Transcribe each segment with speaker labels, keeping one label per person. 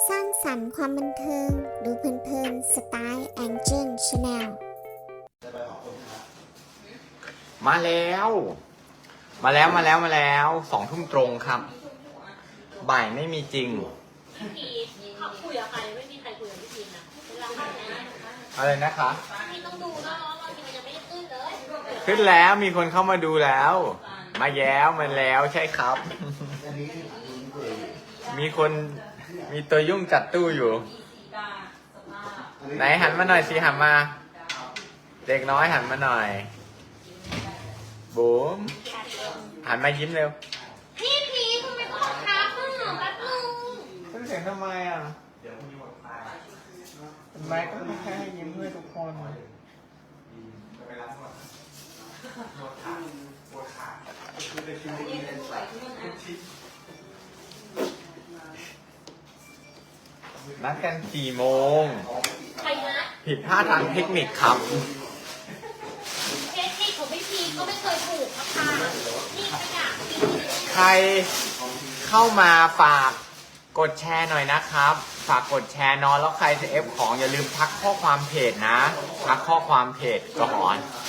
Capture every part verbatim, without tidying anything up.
Speaker 1: สร้างสรรค์ความบันเทิงดูเพลินๆสไตล์ Angel Channel
Speaker 2: มาแล้ว มาแล้วมาแล้วมาแล้วสองทุ่มตรงครับ บ่ายไม่มีจริง
Speaker 3: พี่พีทเขาคุยกับใครไม่มีใครคุยกับพี่พีทนะเวลาเขาแนะ
Speaker 2: อะไรนะคะ
Speaker 3: พี่ต้องดูนะว่าบางทีมันยังไม่ได้ขึ้นเลย
Speaker 2: ขึ้นแล้วมีคนเข้ามาดูแล้ว มาแย้วมาแล้วใช่ครับ มีคนมีตัวยุ่งจัดตู้อยู่ ไหนหันมาหน่อยสิหันมา เด็กน้อยหันมาหน่อยบุ๋มหันมายิ้มเร็ว
Speaker 3: พี่พีททำไมต้องบังคับอ่ะแป๊บนึง
Speaker 2: ขึ้นเสียงทำไมอ่ะทำไมก็ไม่แค่ให้ยิ้มด้วยทุกคนนัดกันกี่โมง
Speaker 3: ใครนะ
Speaker 2: ผิดพลาดทางเทคนิคครับ
Speaker 3: เทคนิคของพี่พีทก็ไม่เคยถูกนะคะนี่ขยะ
Speaker 2: ใครเข้ามาฝากกดแชร์หน่อยนะครับ ฝากกดแชร์เนอะแล้วใครจะเอฟของอย่าลืมทักข้อความเพจนะ ทักข้อความเพจก่อน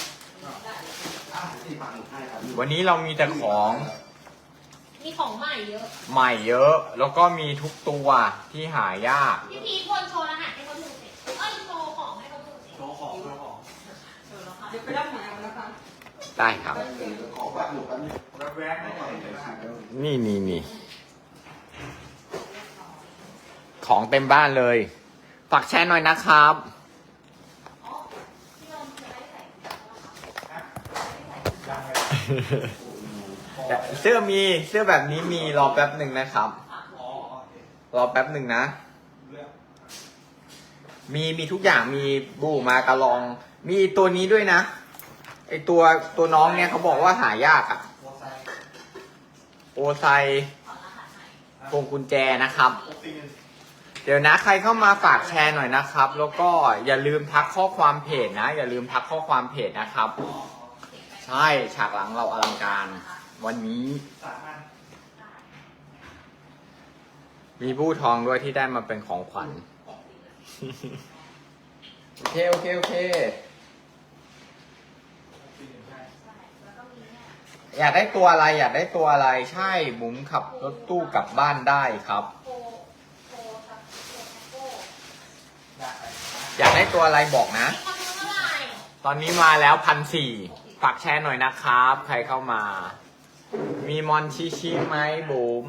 Speaker 2: วันนี้เรามีแต่ของ
Speaker 3: มีของใหม่เยอะ
Speaker 2: ใหม่เยอะ แล้วก็มีทุกตัวที่หายาก
Speaker 3: พี่พีทควรโชว์รหัสให้เขาดูสิเอ้ยโชว์ของให้เขาดูสิ
Speaker 4: โชว์ของโชว์ของ
Speaker 5: เดี๋ยวไปรับหมายเอานะคะ
Speaker 2: ได้ครับ
Speaker 4: ขอแบบหนูกันแวบๆให้หน่อยเลยค่ะ
Speaker 2: นี่นี่นี่ของเต็มบ้านเลย ฝากแชร์หน่อยนะครับ เสื้อมีเสื้อแบบนี้มีรอแป๊บหนึ่งนะครับ รอแป๊บหนึ่งนะ มีมีทุกอย่างมีบูมากระลอง มีตัวนี้ด้วยนะไอตัวตัวน้องเนี่ยเขาบอกว่าหายากอะโอไซพวงกุญแจนะครับ เดี๋ยวนะใครเข้ามาฝากแชร์หน่อยนะครับ แล้วก็อย่าลืมทักข้อความเพจนะ อย่าลืมทักข้อความเพจนะครับ ใช่ฉากหลังเราอลังการวันนี้ มีบู้ทองด้วยที่ได้มาเป็นของขวัญ โอเคโอเคโอเค อยากได้ตัวอะไรอยากได้ตัวอะไรใช่บุ๋มขับรถตู้กลับบ้านได้ครับ อยากได้ตัวอะไรบอกนะ
Speaker 3: มีคนซื้อเท่าไหร่
Speaker 2: ตอนนี้มาแล้วพันสี่ฝากแชร์หน่อยนะครับ ใครเข้ามา มีมอนชิชิไหมบุ๋ม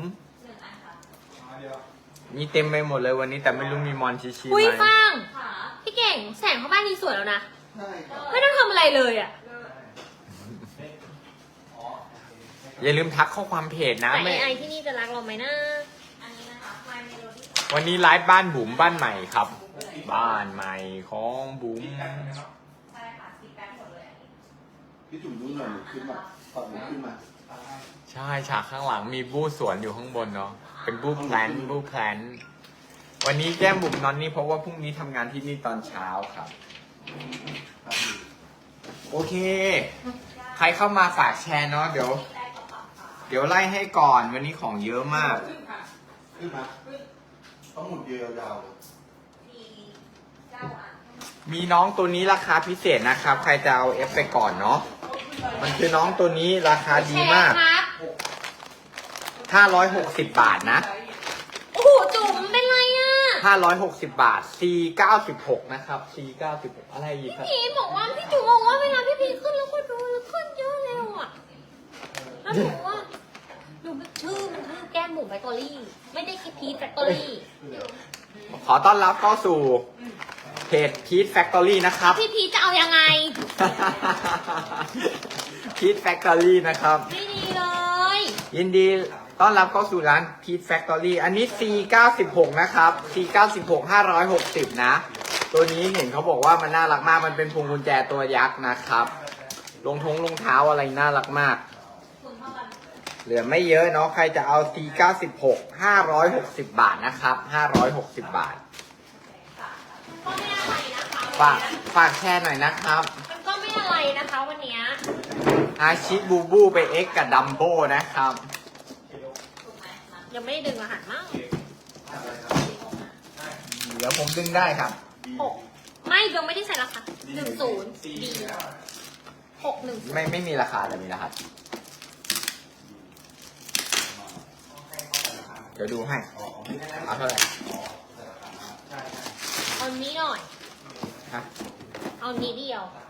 Speaker 2: มีเต็มไปหมดเลยวันนี้แต่ไม่รู้มีมอนชิชิไห
Speaker 3: คุย
Speaker 2: ม
Speaker 3: ฟังพี่เก่งแสงเข้าบ้านนี้สวยแล้วนะ
Speaker 4: ใช่ครับ
Speaker 3: ไม่ต้องทำอะไรเลยอ่ะ
Speaker 2: อย่าลืมทักข้อความเพจนะ
Speaker 3: แต่
Speaker 2: ไม่
Speaker 3: ไอที่นี่จะรักเราไหมนะอันนี้นะคะ My Melody
Speaker 2: วันนี้ไลฟ์บ้านบุ๋มบ้านใหม่ครับ บ้านใหม่ของบุ๋ม
Speaker 3: ใช่ค่ะสีแป๊บหมดเลย
Speaker 4: พี่จุ๋มดูหน่อยหนูขึ้นมาตอนหนูขึ้นมา
Speaker 2: ใช่ฉากข้างหลังมีบู้สวนอยู่ข้างบนเนาะเป็นบู้แพลนบู้แพลนวันนี้แก้มบุ๋มนอนนี่เพราะว่าพรุ่งนี้ทำงานที่นี่ตอนเช้าครับ โอเค ใครเข้ามาฝากแชร์เนาะเดี๋ยว เดี๋ยวไล่ให้ก่อนวันนี้ของเยอะมาก
Speaker 5: ขึ้นค่ะ
Speaker 4: ขึ้นมาต้องหมุนเดียวยาวๆเลย
Speaker 2: มีน้องตัวนี้ราคาพิเศษนะครับ ใครจะเอาเอฟไปก่อนเนาะมันคือน้องตัวนี้ราคาดีมาก
Speaker 3: แชร์ครับ
Speaker 2: ห้าร้อยหกสิบบาทนะ
Speaker 3: โอ้โหจุ๋มเป็นไรอ่ะ
Speaker 2: ห้าร้อยหกสิบบาท ซี เก้าสิบหก นะครับ ซี เก้าสิบหก อะไรอีกครับ
Speaker 3: พี่บอกว่าพี่จุ๋มบอกว่าเวลาพี่พีขึ้นแล้วก็ดูขึ้นเยอะเร็วอ่ะแล้วหนูว่าหนูชื่อมันชื่อแก้มหมูแฟคทอรี่ ไม่ได้คิดพีทแฟคทอรี่
Speaker 2: ขอต้อนรับเข้าสู่เพจ Peach Factory นะครับ
Speaker 3: พี่พีทจะเอายังไง
Speaker 2: Peach Factory นะครับ
Speaker 3: ไม่ดีเลย
Speaker 2: ยินดีต้อนรับเข้าสู่ร้าน Peach Factory อันนี้ ซี เก้าสิบหก นะครับ ซี เก้าสิบหก ห้าร้อยหกสิบ นะ ตัวนี้เห็นเขาบอกว่ามันน่ารักมาก มันเป็นพวงกุญแจตัวยักษ์นะครับรองทงรองเท้าอะไรน่ารักมาก เหลือไม่เยอะเนาะ ใครจะเอา ซี เก้าสิบหก ห้าร้อยหกสิบ บาทนะครับ ห้าร้อยหกสิบ บาท
Speaker 3: ก็ไม่อะไรนะคะ
Speaker 2: ฝากฝากแชร์หน่อยนะครับ
Speaker 3: มันก็ไม่อะไรนะคะวันเนี้ย
Speaker 2: อาชิบูบูไปเอ็กกับดัมโบนะครับ
Speaker 3: ยังไม่ได้ดึงรหัสมั้ง
Speaker 2: ดี๋ยวผมดึงได้ครับ
Speaker 3: หกไม่เบลไม่ได้ใส่ราคาหนึ่งศูนย์ดีหกหนึ่ง
Speaker 2: ไม่ไม่มีราคาแต่มีรหัสเดี๋ยวดูให้เอาเท่าไหร่
Speaker 3: เอานี้หน่อย
Speaker 2: ฮะ
Speaker 3: เอานี้เดียว
Speaker 2: เ